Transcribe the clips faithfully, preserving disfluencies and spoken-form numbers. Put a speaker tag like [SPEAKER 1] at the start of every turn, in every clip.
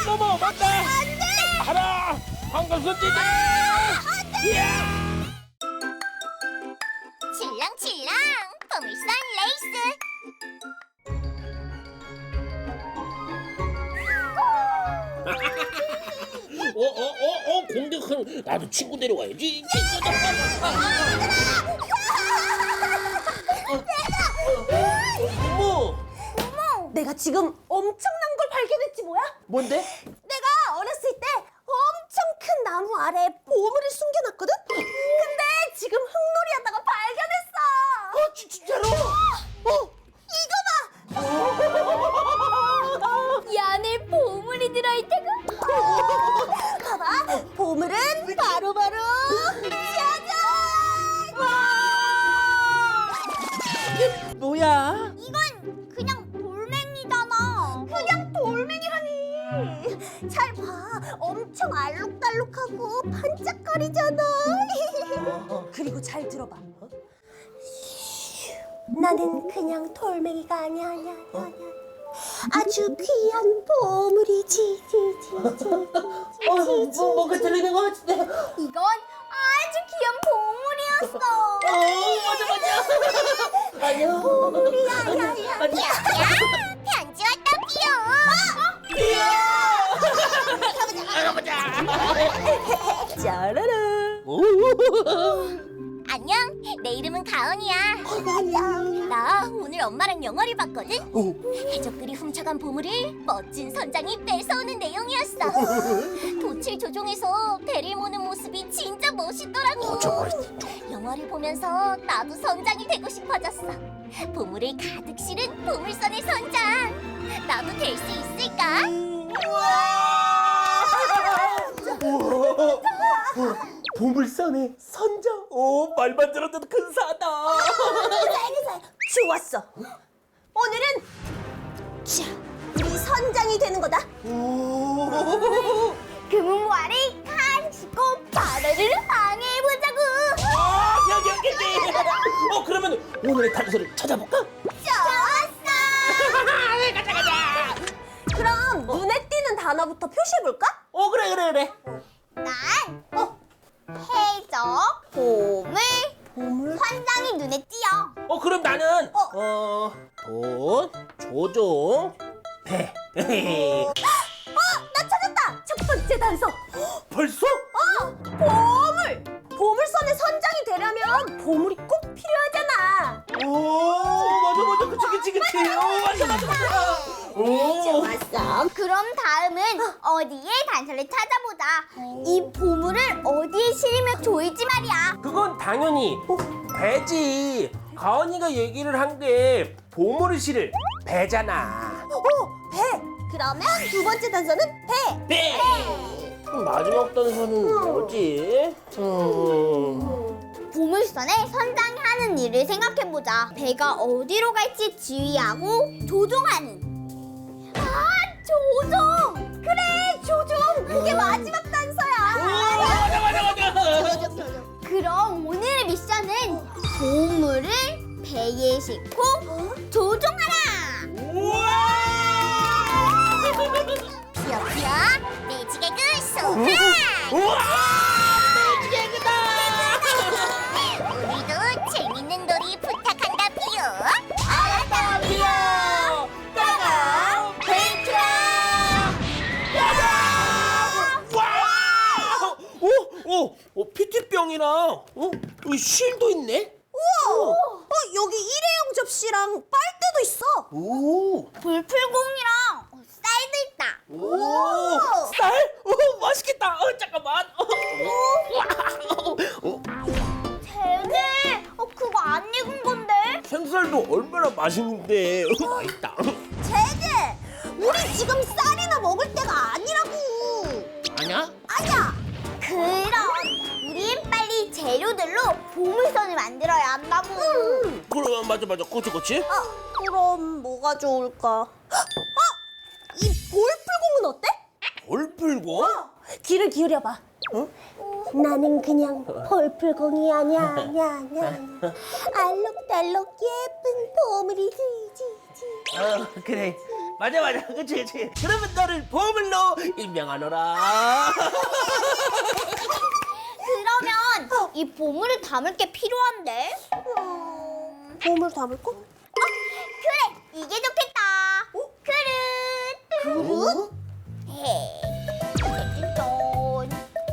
[SPEAKER 1] 넘어 맞다.
[SPEAKER 2] 안돼.
[SPEAKER 1] 하나 황금손 띠. 이야.
[SPEAKER 2] 칠랑칠랑 보물선 레이스.
[SPEAKER 1] 어어어어 공격한 나도 친구 데려와야지. 친구들. 어머.
[SPEAKER 3] 내가 지금 엄청난 걸 발견했지 뭐야?
[SPEAKER 1] 뭔데?
[SPEAKER 3] 내가 어렸을 때 엄청 큰 나무 아래에 보물을 숨겨놨거든? 근데 지금 흙놀이 하다가 발견했어!
[SPEAKER 1] 어 지, 진짜로? 어?
[SPEAKER 3] 이거 봐! 이 안에 보물이 들어있다고? 봐봐! 보물은 바로바로 짜잔!
[SPEAKER 1] 이게 뭐야?
[SPEAKER 2] 이건 그냥 돌멩이잖아.
[SPEAKER 3] 그냥 돌멩이라니! 잘 봐! 엄청 알록달록하고 반짝거리잖아! 그리고 잘 들어봐. 나는 그냥 돌멩이가 아니야, 아니야, 아니야, 아니야. 아주 귀한 보물이지, 지, 지, 지, 지,
[SPEAKER 1] 어, 뭐, 뭔가 들리는 것 같은데.
[SPEAKER 2] 이건 아주 귀한 보물이었어.
[SPEAKER 1] 어, 맞아, 맞아. 아니야.
[SPEAKER 3] 보물이야, 야, 야.
[SPEAKER 1] 아니야.
[SPEAKER 2] 야, 편지 왔다 삐요.
[SPEAKER 1] 가보자.
[SPEAKER 3] 짜라라.
[SPEAKER 1] 오.
[SPEAKER 2] 안녕, 내 이름은 가은이야.
[SPEAKER 3] 안녕.
[SPEAKER 2] 나 오늘 엄마랑 영화를 봤거든.
[SPEAKER 1] 오.
[SPEAKER 2] 해적들이 훔쳐간 보물을 멋진 선장이 뺏어오는 내용이었어. 돛을 조종해서 배를 모는 모습이 진짜 멋있더라고. 영화를 보면서 나도 선장이 되고 싶어졌어. 보물을 가득 실은 보물선의 선장. 나도 될 수 있을까?
[SPEAKER 1] 우와. 보물선의 선장. 오, 말만 들어도 근사하다.
[SPEAKER 3] 좋았어. 오늘은 자, 우리 선장이 되는 거다.
[SPEAKER 1] 오.
[SPEAKER 2] 금은와를 가지고 바다를 항해해보자고.
[SPEAKER 1] 아, 여기 여기 여기. 어, 그러면 오늘의 단서를 찾아볼까?
[SPEAKER 2] 좋았어.
[SPEAKER 1] 가자 가자.
[SPEAKER 3] 그럼 눈에 띄는 단어부터 표시해볼까?
[SPEAKER 1] 어, 그래 그래 그래.
[SPEAKER 2] 난 어, 해적, 보물,
[SPEAKER 3] 보물?
[SPEAKER 2] 선장이 눈에 띄어.
[SPEAKER 1] 어, 그럼 나는 어, 돈, 조종, 배.
[SPEAKER 3] 어, 나 찾았다. 첫 번째 단서.
[SPEAKER 1] 벌써?
[SPEAKER 3] 어, 보물. 보물선의 선장이 되려면 보물이 꼭 필요하잖아.
[SPEAKER 1] 오, 맞아 맞아, 그치 그치 그치. 오, 맞아 맞아 맞아. 오.
[SPEAKER 3] 좋았어.
[SPEAKER 2] 그럼 다음은 어디에 단서를 찾아보자. 이 보물을 어디에 실으면 좋을지 말이야.
[SPEAKER 1] 그건 당연히 배지. 가은이가 얘기를 한 게 보물을 실을 배잖아.
[SPEAKER 3] 어, 배. 그러면 두 번째 단서는 배.
[SPEAKER 1] 배. 그럼 마지막 단서는 뭐지? 음.
[SPEAKER 2] 보물선에 선장이 하는 일을 생각해보자. 배가 어디로 갈지 지휘하고 조종하는. 아, 조종!
[SPEAKER 3] 그래, 조종. 그게 마지막
[SPEAKER 1] 오,
[SPEAKER 3] 단서야.
[SPEAKER 1] 맞아 맞아 맞아.
[SPEAKER 3] 조종, 조종.
[SPEAKER 2] 그럼 오늘의 미션은 보물을 배에 싣고 조종하라!
[SPEAKER 1] 우와!
[SPEAKER 2] 피어피어 매직에그 소환!
[SPEAKER 1] 우와! 매직에그다!
[SPEAKER 2] 우리도 재밌는 놀이 부탁한다 피어.
[SPEAKER 1] 알았다, 피어! 따가 페이트라! 따가! 와! 오, 오, 오, 피티병이랑 어, 이 실도 있네.
[SPEAKER 3] 우와. 어, 여기 일회용 접시랑 빨대도 있어.
[SPEAKER 1] 오,
[SPEAKER 2] 불풀공이랑 쌀도 있다.
[SPEAKER 1] 오, 쌀? 오, 맛있겠다. 어, 잠깐만. 어, 어,
[SPEAKER 2] 쟤네 어, 그거 안 익은 건데?
[SPEAKER 1] 생쌀도 얼마나 맛있는데. 어, 맛있다.
[SPEAKER 3] 제제, 우리 지금 쌀이나 먹을 때가 아니라고.
[SPEAKER 1] 아니야?
[SPEAKER 3] 아니야.
[SPEAKER 2] 그럼 우린 빨리 재료들로 보물선을 만들어야 한다고.
[SPEAKER 3] 음.
[SPEAKER 1] 그럼 맞아 맞아. 그치 그치.
[SPEAKER 3] 아, 그럼 뭐가 좋을까? 어? 이 볼풀공은 어때?
[SPEAKER 1] 볼 풀고?
[SPEAKER 3] 귀를 기울여봐.
[SPEAKER 1] 어?
[SPEAKER 3] 나는 그냥 볼풀공이 아니야, 아니야, 아니야. 알록달록 예쁜 보물이지, 지, 지.
[SPEAKER 1] 어, 그래. 맞아 맞아 그치 그치. 그러면 너를 보물로 임명하노라.
[SPEAKER 2] 그러면 이 보물을 담을 게 필요한데.
[SPEAKER 3] 음, 보물 담을 거?
[SPEAKER 2] 그래, 이게 좋겠다. 그릇.
[SPEAKER 3] 그릇?
[SPEAKER 2] 헤. 짠.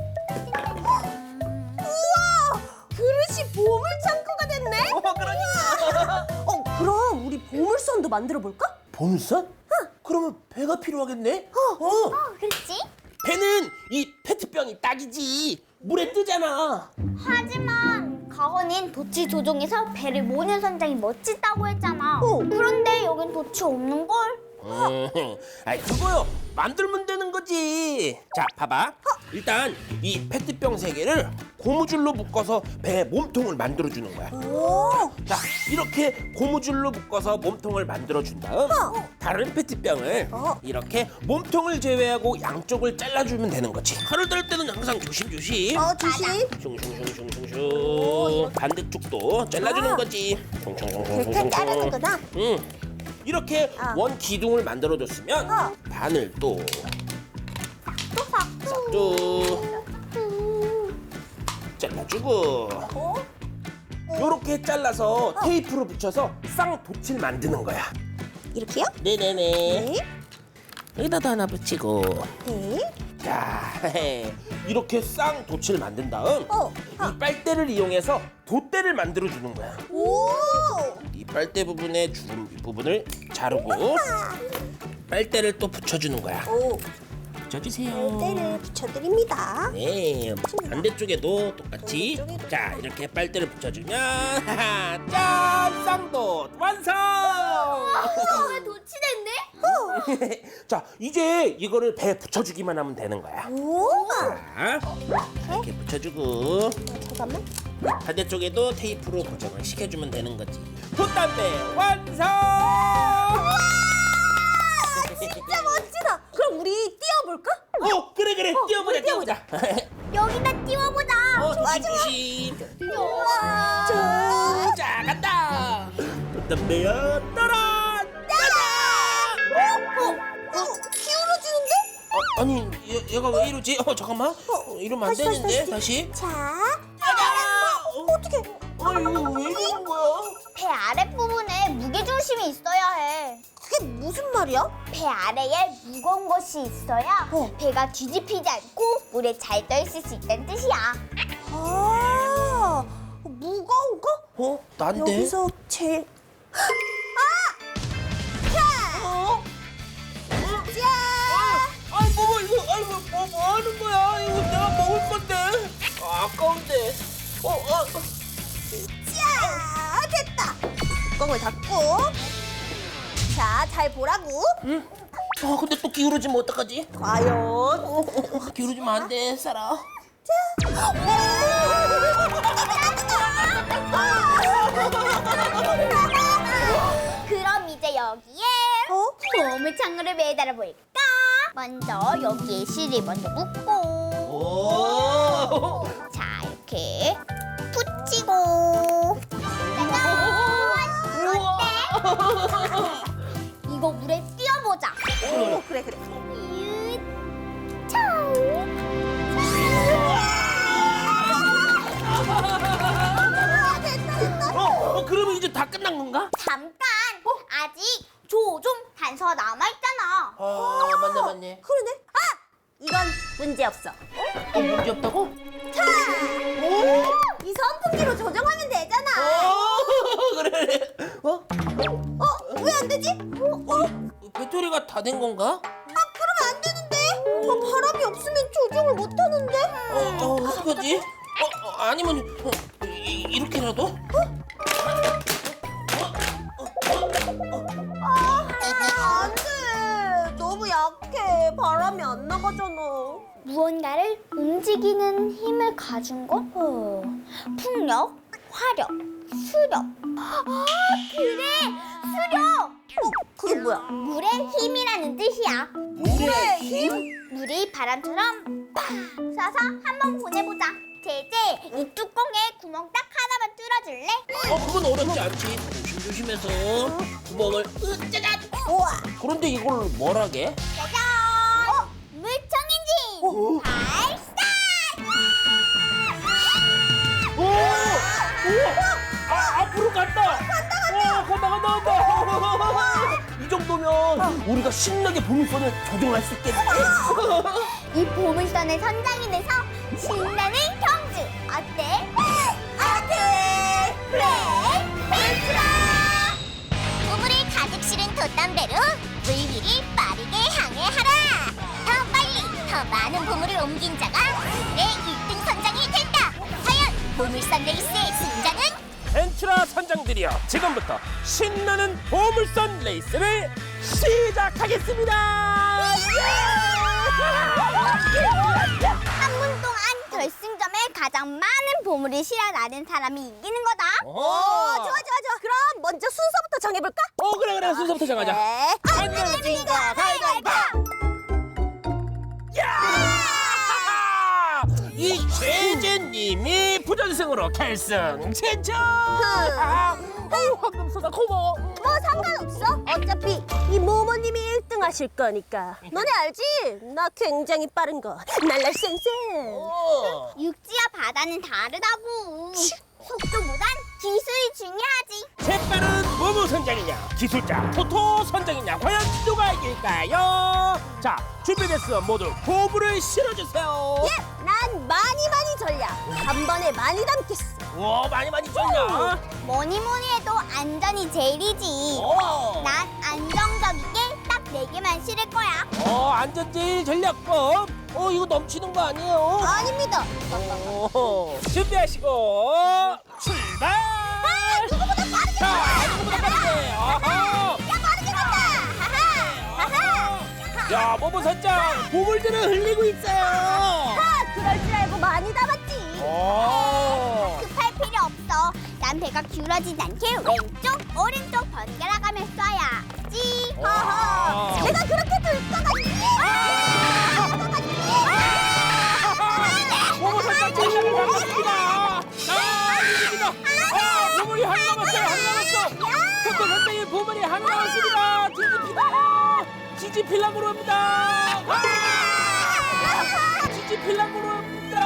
[SPEAKER 3] 우와! 그릇이 보물 창고가 됐네?
[SPEAKER 1] 어 그러니까.
[SPEAKER 3] 어, 그럼 우리 보물선도 만들어 볼까?
[SPEAKER 1] 보물선? 응. 그러면 배가 필요하겠네. 어. 어.
[SPEAKER 2] 그렇지?
[SPEAKER 1] 배는 이 페트병이 딱이지. 물에 뜨잖아.
[SPEAKER 2] 하지만 가건인 도치 조종에서 배를 모는 선장이 멋지다고 했잖아.
[SPEAKER 3] 어.
[SPEAKER 2] 그런데 여긴 도치 없는 걸.
[SPEAKER 1] 음, 아이 그거요. 만들면 되는 거지. 자, 봐봐. 일단 이 페트병 세 개를 고무줄로 묶어서 배 몸통을 만들어 주는 거야.
[SPEAKER 3] 오!
[SPEAKER 1] 자, 이렇게 고무줄로 묶어서 몸통을 만들어 준 다음 다른 페트병을
[SPEAKER 3] 어.
[SPEAKER 1] 이렇게 몸통을 제외하고 양쪽을 잘라주면 되는 거지. 칼을 들 때는 항상 조심조심.
[SPEAKER 3] 어, 조심.
[SPEAKER 1] 슝슝슝슝슝슝. 반대쪽도 잘라주는
[SPEAKER 3] 아.
[SPEAKER 1] 거지.
[SPEAKER 3] 그렇게
[SPEAKER 1] 슝슝슝슝슝.
[SPEAKER 3] 자르는구나.
[SPEAKER 1] 응. 이렇게
[SPEAKER 3] 어.
[SPEAKER 1] 원 기둥을 만들어줬으면
[SPEAKER 3] 어.
[SPEAKER 1] 반을 또
[SPEAKER 2] 또 삭두.
[SPEAKER 1] 싹둑 잘라주고
[SPEAKER 3] 어?
[SPEAKER 1] 요렇게 잘라서 테이프로 붙여서 쌍도치를 만드는 거야.
[SPEAKER 3] 이렇게요?
[SPEAKER 1] 네네네.
[SPEAKER 3] 네.
[SPEAKER 1] 여기다도 하나 붙이고.
[SPEAKER 3] 네.
[SPEAKER 1] 자, 이렇게 쌍도치를 만든 다음
[SPEAKER 3] 어.
[SPEAKER 1] 이 빨대를 이용해서 돛대를 만들어 주는 거야.
[SPEAKER 3] 오!
[SPEAKER 1] 이 빨대 부분의 주름 부분을 자르고 빨대를 또 붙여주는 거야.
[SPEAKER 3] 오.
[SPEAKER 1] 붙여주세요.
[SPEAKER 3] 빨대를 붙여드립니다.
[SPEAKER 1] 네, 반대쪽에도 똑같이.
[SPEAKER 3] 반대쪽에도
[SPEAKER 1] 자, 이렇게 빨대를 붙여주면 하하, 짠! 쌍도 완성!
[SPEAKER 2] 어, 도치 됐네?
[SPEAKER 1] 자, 이제 이거를 배에 붙여주기만 하면 되는 거야.
[SPEAKER 3] 오!
[SPEAKER 1] 자, 이렇게 붙여주고
[SPEAKER 3] 잠깐만.
[SPEAKER 1] 반대쪽에도 테이프로 고정을 시켜주면 되는 거지. 돛담배 완성!
[SPEAKER 3] 진짜 멋지다. 그럼 우리 뛰어볼까?
[SPEAKER 1] 어, 그래 그래, 뛰어보자
[SPEAKER 3] 우리
[SPEAKER 1] 뛰어보자.
[SPEAKER 2] 여기다 띄워보자.
[SPEAKER 1] 어,
[SPEAKER 3] 좋아,
[SPEAKER 1] 조심 조심.
[SPEAKER 3] 우와.
[SPEAKER 1] 자, 자 간다. 돛담배야 따라.
[SPEAKER 3] 어? 어? 기울어지는데?
[SPEAKER 1] 어, 아니 얘, 얘가 왜 이러지? 어 잠깐만. 어, 이러면 안
[SPEAKER 3] 다시, 다시,
[SPEAKER 1] 되는데
[SPEAKER 3] 다시.
[SPEAKER 1] 다시.
[SPEAKER 3] 자.
[SPEAKER 1] 짜잔! 어,
[SPEAKER 3] 어떻게?
[SPEAKER 1] 아이고 왜 이러는 거야?
[SPEAKER 2] 배 아랫부분에 무게중심이 있어야 해.
[SPEAKER 3] 그게 무슨 말이야?
[SPEAKER 2] 배 아래에 무거운 것이 있어야
[SPEAKER 3] 어.
[SPEAKER 2] 배가 뒤집히지 않고 물에 잘 떠 있을 수 있다는 뜻이야.
[SPEAKER 3] 아, 무거운 거?
[SPEAKER 1] 어? 난데?
[SPEAKER 3] 여기서 제일
[SPEAKER 1] 어?
[SPEAKER 3] 자,
[SPEAKER 1] 아이 뭐 이거 아이 뭐, 뭐, 뭐 하는 거야? 이거 내가 먹을 건데. 아, 아까운데. 어, 어.
[SPEAKER 3] 자, 됐다. 뚜껑을 닫고. 자, 잘 보라고.
[SPEAKER 1] 응? 아 근데 또 기울어지면 어떡하지?
[SPEAKER 3] 과연.
[SPEAKER 1] 어, 어, 기울어지면 안 돼, 사라.
[SPEAKER 2] 그럼 이제 여기에
[SPEAKER 3] 어?
[SPEAKER 2] 보물창고를 매달아 볼까? 먼저 여기에 실을 먼저 묶고,
[SPEAKER 1] 오.
[SPEAKER 2] 자 이렇게 붙이고. 짜잔! 어때? 이거 물에 띄워보자.
[SPEAKER 3] 오, 그래, 그래. 아, 됐다, 됐다.
[SPEAKER 1] 어, 어, 그러면 이제 다 끝난 건가?
[SPEAKER 2] 잠깐, 아직 조종 단서 남아있잖아.
[SPEAKER 1] 아, 맞네, 맞네.
[SPEAKER 3] 그러네. 아, 이건 문제 없어.
[SPEAKER 1] 어, 문제 없다고?
[SPEAKER 3] 자, 이 선풍기로 조정하면 되잖아.
[SPEAKER 1] 어, 그래, 그래. 어?
[SPEAKER 3] 어, 왜 안 되지?
[SPEAKER 1] 어? 배터리가 다 된 건가?
[SPEAKER 3] 아, 그러면 안 되는데. 어, 바람이 없으면 조정을 못 하는데.
[SPEAKER 1] 어, 어, 어떡하지? 어, 어, 아니면 어, 이, 이렇게라도?
[SPEAKER 3] 아, 안 돼. 너무 약해. 바람이 안 나가잖아.
[SPEAKER 2] 무언가를 움직이는 힘을 가진 것? 어. 풍력, 화력, 수력. 아, 그래! 수력!
[SPEAKER 3] 어, 그게 뭐야?
[SPEAKER 2] 물의 힘이라는 뜻이야.
[SPEAKER 1] 물의 힘?
[SPEAKER 2] 물이 바람처럼 팍 쏴서 한번 보내보자. 제제, 이 뚜껑에 구멍 딱 하나만 뚫어 풀어줄래?
[SPEAKER 1] 어, 그건 어렵지 않지. 조심조심해서 구멍을 으짜잔.
[SPEAKER 3] 우와.
[SPEAKER 1] 그런데 이걸 뭘 하게?
[SPEAKER 2] 짜잔! 어? 물총 엔진! 발사!
[SPEAKER 1] 오! 오! 아, 앞으로 간다! 간다, 간다! 간다, 간다, 간다! 이 정도면 우리가 신나게 보물선을 조종할 수 있겠네.
[SPEAKER 2] 이 보물선의 선장이 돼서 신나는 경주! 어때? 어때? 플레이 펜트라! 보물을 가득 실은 돛담배로 물 위를 빠르게 항해하라! 더 빨리, 더 많은 보물을 옮긴 자가 오늘의 일 등 선장이 된다! 과연 보물선 레이스의 승자는?
[SPEAKER 1] 벤츄라 선장들이여, 지금부터 신나는 보물선 레이스를 시작하겠습니다!
[SPEAKER 2] 한 분 동안 결승점에 가장 많은 보물을 실어나는 사람이 이기는 거다.
[SPEAKER 3] 오, 좋아, 좋아, 좋아. 그럼 먼저 순서부터 정해볼까?
[SPEAKER 1] 어, 그래, 그래. 순서부터 정하자.
[SPEAKER 3] 네.
[SPEAKER 1] 안 내면 진거 가위바위보! 야! 이 최재님이 부전승으로 결승 진출! 아, 어우, 황금소다 고마워.
[SPEAKER 3] 뭐 상관없어. 어차피 이 모모님이 일 등 하실 거니까. 너네 알지? 나 굉장히 빠른 거. 날날 쌩쌩.
[SPEAKER 1] 어.
[SPEAKER 2] 육지와 바다는 다르다고. 속도보단 기술이 중요하지.
[SPEAKER 1] 재빠른 모모 선장이냐, 기술자 토토 선장이냐, 과연 누가 이길까요? 자, 준비됐으면 모두 보물을 실어주세요.
[SPEAKER 3] 예, 난 많이 많이 전략. 한 번에 많이 담겠어.
[SPEAKER 1] 와, 많이 많이 줬냐?
[SPEAKER 2] 뭐니 뭐니 해도 안전이 제일이지.
[SPEAKER 1] 어.
[SPEAKER 2] 난 안정적이게 딱 네 개만 실을 거야.
[SPEAKER 1] 어, 안전제일 전략법. 어, 이거 넘치는 거 아니에요?
[SPEAKER 3] 아닙니다.
[SPEAKER 1] 오, 준비하시고 출발!
[SPEAKER 3] 누구보다 빠르게
[SPEAKER 1] 자, 누구보다 빠르게. 아하.
[SPEAKER 2] 야, 빠르게 간다. 하하. 하하.
[SPEAKER 1] 야, 모모 선장, 보물들을 흘리고 있어요.
[SPEAKER 3] 아, 그럴 줄 알고 많이 담았지.
[SPEAKER 1] 오.
[SPEAKER 2] 급할 필요 없어. 난 배가 기울어지지 않게 왼쪽, 오른쪽 번갈아 가며 쏴야지.
[SPEAKER 1] 아.
[SPEAKER 3] 내가 그렇게 들 것 같니?
[SPEAKER 1] 모모 선장 진심을 반갑습니다. 아, 이깁니다. 아, 보물이 하나 남았어요. 하나 남았어. 토토 선장의 보물이 하나 남았습니다. 지지필라. 지지필랑으로 합니다. 아, 지지필랑으로 합니다.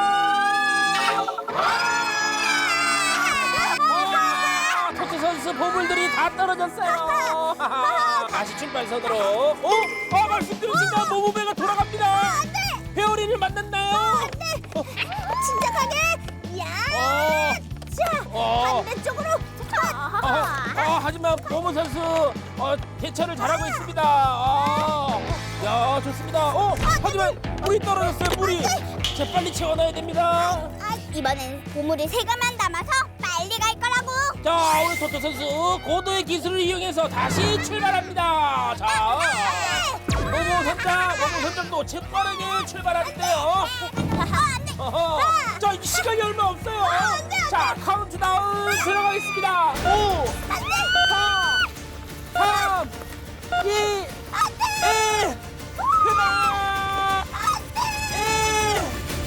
[SPEAKER 1] 아, 토토 선수 보물들이 다 떨어졌어요. 다시 출발선으로. 어? 아, 말씀드렸습니다. 모모배가 돌아갑니다. 회오리를 만났나요? 어,
[SPEAKER 3] 침착하게. 야.
[SPEAKER 1] 어,
[SPEAKER 3] 자,
[SPEAKER 1] 어.
[SPEAKER 3] 반대쪽으로.
[SPEAKER 1] 아, 아, 하지만 모모 선수 어, 대처를 잘하고 있습니다. 아, 야, 좋습니다. 어, 하지만 물이 떨어졌어요. 물이. 재빨리 채워놔야 됩니다.
[SPEAKER 2] 아, 이번엔 보물을 세 개만 담아서 빨리 갈 거라고.
[SPEAKER 1] 자, 우리 토토 선수 고도의 기술을 이용해서 다시 출발합니다. 자, 모모 선장, 모모 선장도 재빠르게 출발하는데요. 어허. 자, 이제 시간이 얼마 없어요. 자, 카운트다운 들어가겠습니다. 오, 사, 삼, 이, 일. 그만! 일.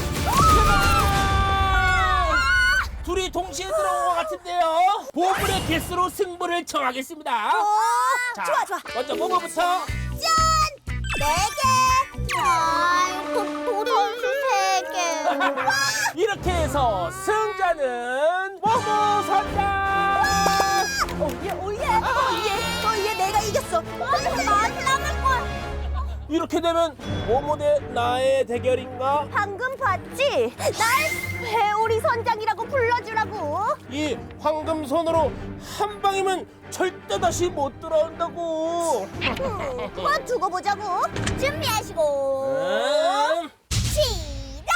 [SPEAKER 1] 그만! 둘이 동시에 들어온 것 같은데요. 보물의 개수로 승부를 정하겠습니다. 자,
[SPEAKER 3] 좋아, 좋아.
[SPEAKER 1] 먼저 모모부터.
[SPEAKER 3] 짠! 네 개.
[SPEAKER 2] 아, 도리 세 개.
[SPEAKER 1] 이렇게 해서 승자는 모모 선장.
[SPEAKER 3] 오예, 오예. 오예. 오예, 내가 이겼어.
[SPEAKER 2] 많이 남을 걸.
[SPEAKER 1] 이렇게 되면 모모 대 나의 대결인가?
[SPEAKER 3] 방금 봤지? 날 회오리 선장이라고 불러주라고.
[SPEAKER 1] 이 황금 손으로 한 방이면 절대 다시 못 돌아온다고.
[SPEAKER 3] 음, 그만 두고 보자고.
[SPEAKER 2] 준비하시고.
[SPEAKER 1] 음.
[SPEAKER 2] 시작!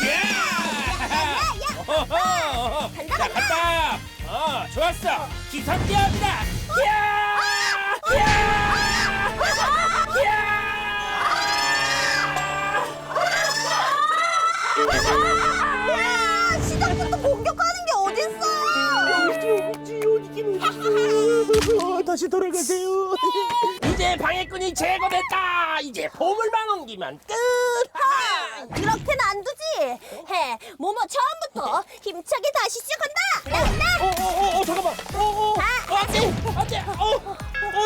[SPEAKER 1] 야! 어허허. 자, 간다. 어, 좋았어. 기선제압이다. 야! 야! 야!
[SPEAKER 3] 야, 시작부터 공격하는 게 어딨어?
[SPEAKER 1] 어디 어디긴 어딨어. 다시 돌아가세요. 이제 방해꾼이 제거됐다. 이제 보물만 옮기면 끝.
[SPEAKER 3] 하! 그렇게는 안 두지. 해, 모모 처음부터 힘차게 다시 시작한다. 나, 나.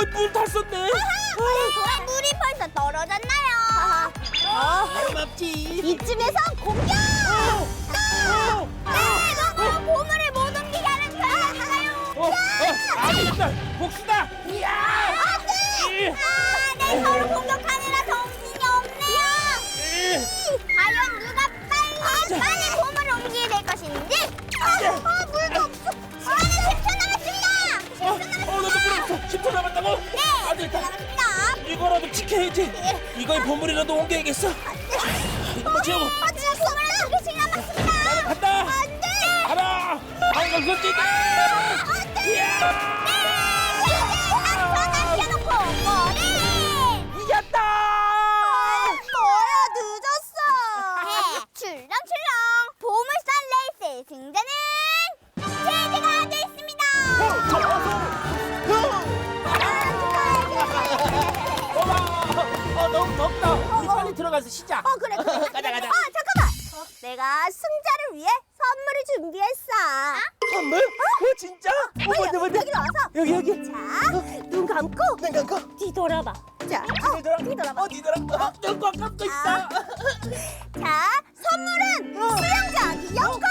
[SPEAKER 1] 어이 물 탔었네.
[SPEAKER 2] 돌아 물이 벌써 떨어졌나요?
[SPEAKER 3] 어,
[SPEAKER 1] 고맙지.
[SPEAKER 3] 이쯤에서 공격!
[SPEAKER 1] 어,
[SPEAKER 2] 네, 이거 보물을 못 옮기게 하는 거였어요.
[SPEAKER 1] 어, 어, 안 되겠다. 복수다. 이야. 안돼.
[SPEAKER 2] 아, 내 서로 공격하느라 정신이 없네요. 과연 누가 빨리 빨리 보물을 옮기게 될 것인지. 아, 아, 물도 없어. 시간은 십 초 남았습니다.
[SPEAKER 1] 어, 어, 나도 물 없어. 십 초 남았다고?
[SPEAKER 2] 네,
[SPEAKER 1] 안 되겠다.
[SPEAKER 2] 남았습니다.
[SPEAKER 1] 이거라도 지켜야지. 이거의 보물이라도 옮겨야겠어. 이거 채우고.
[SPEAKER 2] 아, 지금 보물을 두 개씩 남았습니다.
[SPEAKER 1] 간다.
[SPEAKER 2] 안 돼.
[SPEAKER 1] 가라. 방금 손찌개. 이야.
[SPEAKER 2] 전화 켜놓고 머리.
[SPEAKER 1] 이겼다.
[SPEAKER 3] 뭐야, 늦었어.
[SPEAKER 2] 출렁출렁 보물선 레이스의 승자는 제재가 됐습니다.
[SPEAKER 1] 어, 너무 덥다. 우리 빨리 들어가서 쉬자.
[SPEAKER 3] 어, 그래, 그래.
[SPEAKER 1] 가자, 가자.
[SPEAKER 3] 아, 잠깐만. 내가 승자를 위해 선물을 준비했어.
[SPEAKER 1] 선물? 어, 진짜? 어, 뭔데, 뭔데?
[SPEAKER 3] 여기로 와서.
[SPEAKER 1] 여기, 여기.
[SPEAKER 3] 자, 눈 감고.
[SPEAKER 1] 눈 감고.
[SPEAKER 3] 뒤돌아봐. 자, 어,
[SPEAKER 1] 뒤돌아.
[SPEAKER 3] 뒤돌아봐.
[SPEAKER 1] 어, 뒤돌아. 어, 눈 감고 있어.
[SPEAKER 3] 자, 선물은 수영장 이용권!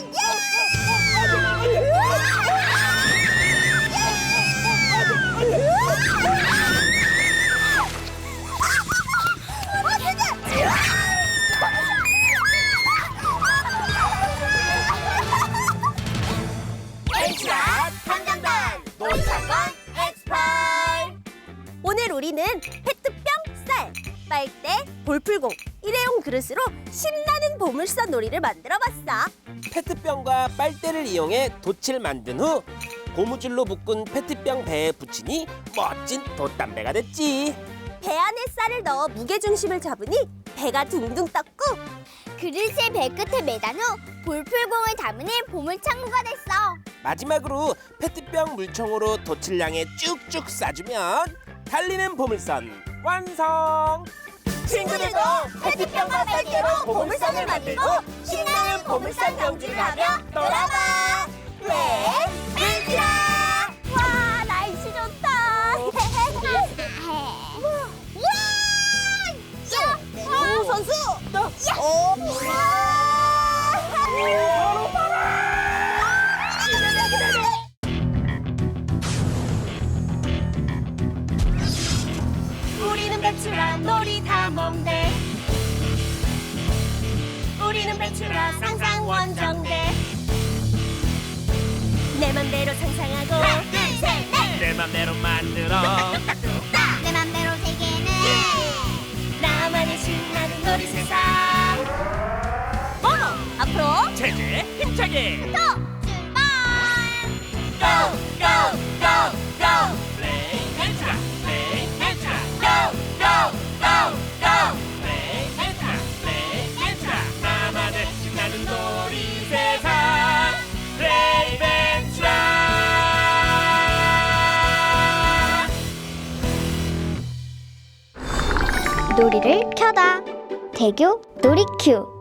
[SPEAKER 2] 엑스트라 탐정단 놀이사건 엑스파일.
[SPEAKER 3] 오늘 우리는 페트병, 쌀, 빨대, 볼풀공, 일회용 그릇으로 신나는 보물선 놀이를 만들어봤어.
[SPEAKER 1] 페트병과 빨대를 이용해 돛을 만든 후 고무줄로 묶은 페트병 배에 붙이니 멋진 돛담배가 됐지.
[SPEAKER 3] 배 안에 쌀을 넣어 무게중심을 잡으니 배가 둥둥 떴고,
[SPEAKER 2] 그릇을 배 끝에 매단 후 볼풀공을 담으니 보물창고가 됐어.
[SPEAKER 1] 마지막으로 페트병 물총으로 돛을 향해 쭉쭉 쏴주면 달리는 보물선 완성!
[SPEAKER 3] 친구들도 페트병과 빨대로 보물선을 만들고 신나는 보물선 경주를 하며 놀아봐. 네, 멘트라! 와, 날씨 좋다.
[SPEAKER 2] 우와!
[SPEAKER 3] 오, 선수!
[SPEAKER 1] 어,
[SPEAKER 3] 우리는 배추라 놀이 다 먹네. 우리는 배추라 상상 원정대. 내 맘대로 상상하고
[SPEAKER 2] 하나, 둘, 셋, 넷.
[SPEAKER 1] 내 맘대로 만들어
[SPEAKER 2] 내 맘대로 세계는
[SPEAKER 3] 나만의 신나는 놀이 세상. 모모 앞으로
[SPEAKER 1] 체제 힘차게
[SPEAKER 2] 또 출발.
[SPEAKER 3] go go go go.
[SPEAKER 1] 플레이 펜트라 플레이 펜트라
[SPEAKER 3] go go go go.
[SPEAKER 1] 플레이 펜트라 플레이 펜트라 나만의 신나는 놀이 세상 플레이 펜트라.
[SPEAKER 2] 놀이를 켜다. 대교 놀이큐.